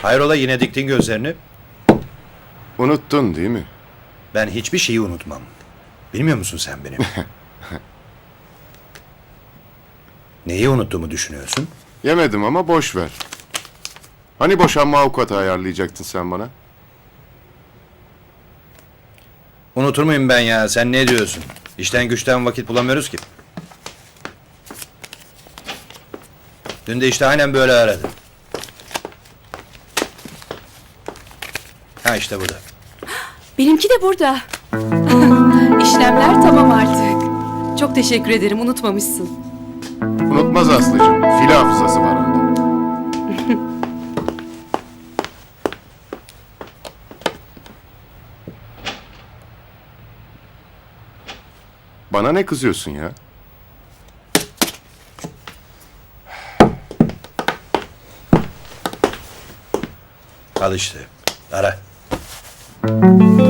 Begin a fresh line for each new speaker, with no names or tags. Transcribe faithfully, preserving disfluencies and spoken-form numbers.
Hayrola yine diktin gözlerini?
Unuttun değil mi?
Ben hiçbir şeyi unutmam. Bilmiyor musun sen beni? Neyi unuttuğumu düşünüyorsun?
Yemedim ama boş ver. Hani boşanma avukatı ayarlayacaktın sen bana?
Unutur muyum ben ya? Sen ne diyorsun? İşten güçten vakit bulamıyoruz ki. Dün de işte aynen böyle aradı. Ha işte bu da.
Benimki de burada. İşlemler tamam artık. Çok teşekkür ederim, unutmamışsın.
Unutmaz Aslı'cığım. Fil hafızası var onda. Bana ne kızıyorsun ya?
Al işte. Ara.